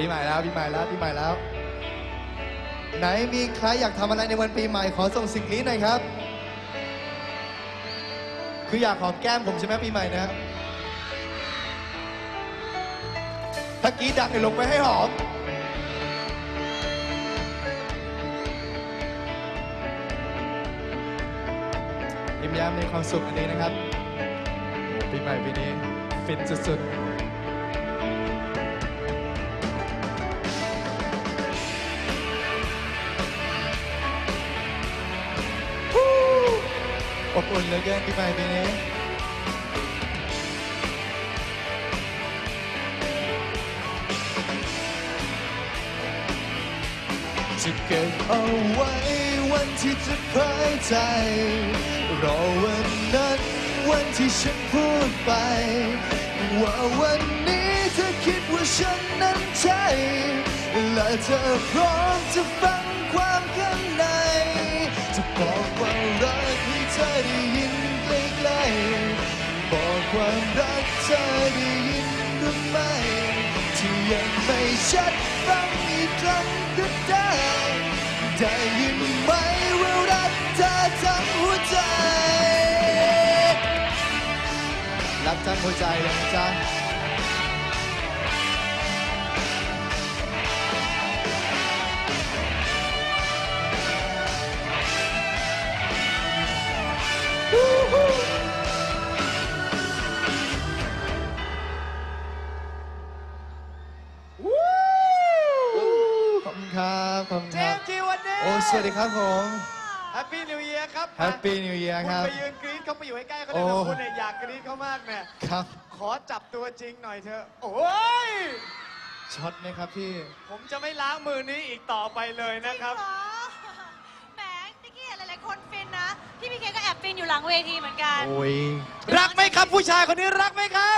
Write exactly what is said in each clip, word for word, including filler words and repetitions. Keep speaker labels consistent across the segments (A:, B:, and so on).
A: ปีใหม่แล้วปีใหม่แล้วปีใหม่แล้วไหนมีใครอยากทำอะไรในวันปีใหม่ขอส่งสิ่งนี้หน่อยครับคืออยากหอมแก้มผมใช่ไหมปีใหม่นะถ้ากรีดดังให้ลงไปให้หอมยิ้มแย้มมีความสุขอันนี้นะครับปีใหม่ปีนี้ฟินสุดๆอบอุ่นเหลือเกินปีใหม่ปีนี้จะเก็บเอาไว้วันที่จะเผยใจรอวันนั้นวันที่ฉันพูดไปว่าวันนี้เธอคิดว่าฉันนั้นใช่และเธอพร้อมจะฟังความข้างในจะบอกว่ารักให้เธอได้ยินใกล้ๆบอกความรักเธอได้ยินหรือไม่ที่ยังไม่ชัดฟังอีกครั้งก็ได้ได้ยินไหมว่ารักเธอทั้งหัวใจรักทั้งหัวใจเลยนะจ๊ะขอบคุณครับขอบคุณ
B: เจ
A: ครับ
B: มส์จีวันนี้
A: โอ้สวัสดีครับผม
B: แฮปปี้นิวเยียร์ครับ
A: แฮปปี้นิวเยียร์ครับ
B: คุณไปยืนกรี๊ดเขาไปอยู่ใกล้ๆเขา
A: โอ้
B: ได้แบบคุณเนี่ยอยากกรี๊ดเขามากเนี่ย
A: ครับ
B: ขอจับตัวจริงหน่อยเถอะโอ้ย
A: ช็อตไหมครับพี่
B: ผมจะไม่ล้างมือนี้อีกต่อไปเลยนะครับ
C: จงเหรอแหมนิกกี้เห็นหลายๆคนฟินนะ พี่พีเคก็แอบฟินอยู่หลังเวทีเหมือนกัน
A: โอ้ย
B: รักไหมครับผู้ชายคนนี้รักไหมครับ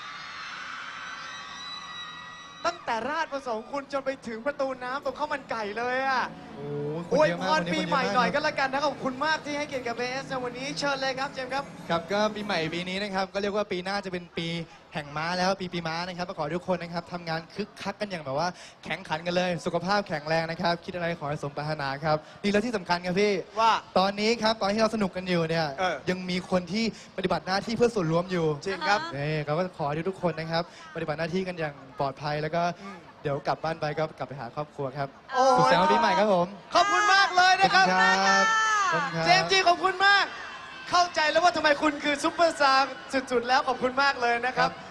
B: ตั้งแต่ราชประสงค์คุณจนไปถึงประตูน้ำตรงข้าวมันไก่เลยอ่ะ
A: โอ้
B: อวย
A: เยอะ
B: พ
A: มาก
B: ร
A: วันนี้
B: ปี
A: คนเยอะ
B: ใหม่
A: มาก
B: หน่อย
A: ค
B: ก็
A: รับ
B: แล้วกันนะขอบคุณมากที่ให้เกียรติกับเบสในวันนี้เชิญเลยครับเจมส์ครับ
A: ครับก็ปีใหม่ปีนี้นะครับก็เรียกว่าปีหน้าจะเป็นปีแห่งม้าแล้วปีปีม้านะครับก็ขอให้ทุกคนนะครับทำงานคึกคักกันอย่างแบบว่าแข่งขันกันเลยสุขภาพแข็งแรงนะครับคิดอะไรขอให้สมปรารถนาครับนี่แล้วที่สำคัญครับพี่
B: ว่า
A: ตอนนี้ครับตอนที่เราสนุกกันอยู่เนี่ย
B: เออ
A: ยังมีคนที่ปฏิบัติหน้าที่เพื่อส่วนรวมอยู่
B: จริงครับ
A: นี่เราก็ขอให้ทุกคนนะครับปฏิบัติหน้าที่กันอย่างปลอดภัยแล้วก็
B: อืม
A: เดี๋ยวกลับบ้านไปก็กลับไปหาครอบครัวครับ
B: โอ้
A: สุข
B: ย
A: สันต์วันปีใหม่ครับผม
B: ขอบคุณมากเลยนะครับ
A: ครับขอบคุณครับ
B: เจมส์จีขอบคุณมาก เข้าใจแล้วว่าทำไมคุณคือซุปเปอร์สตาร์สุดๆแล้วขอบคุณมากเลยนะครับ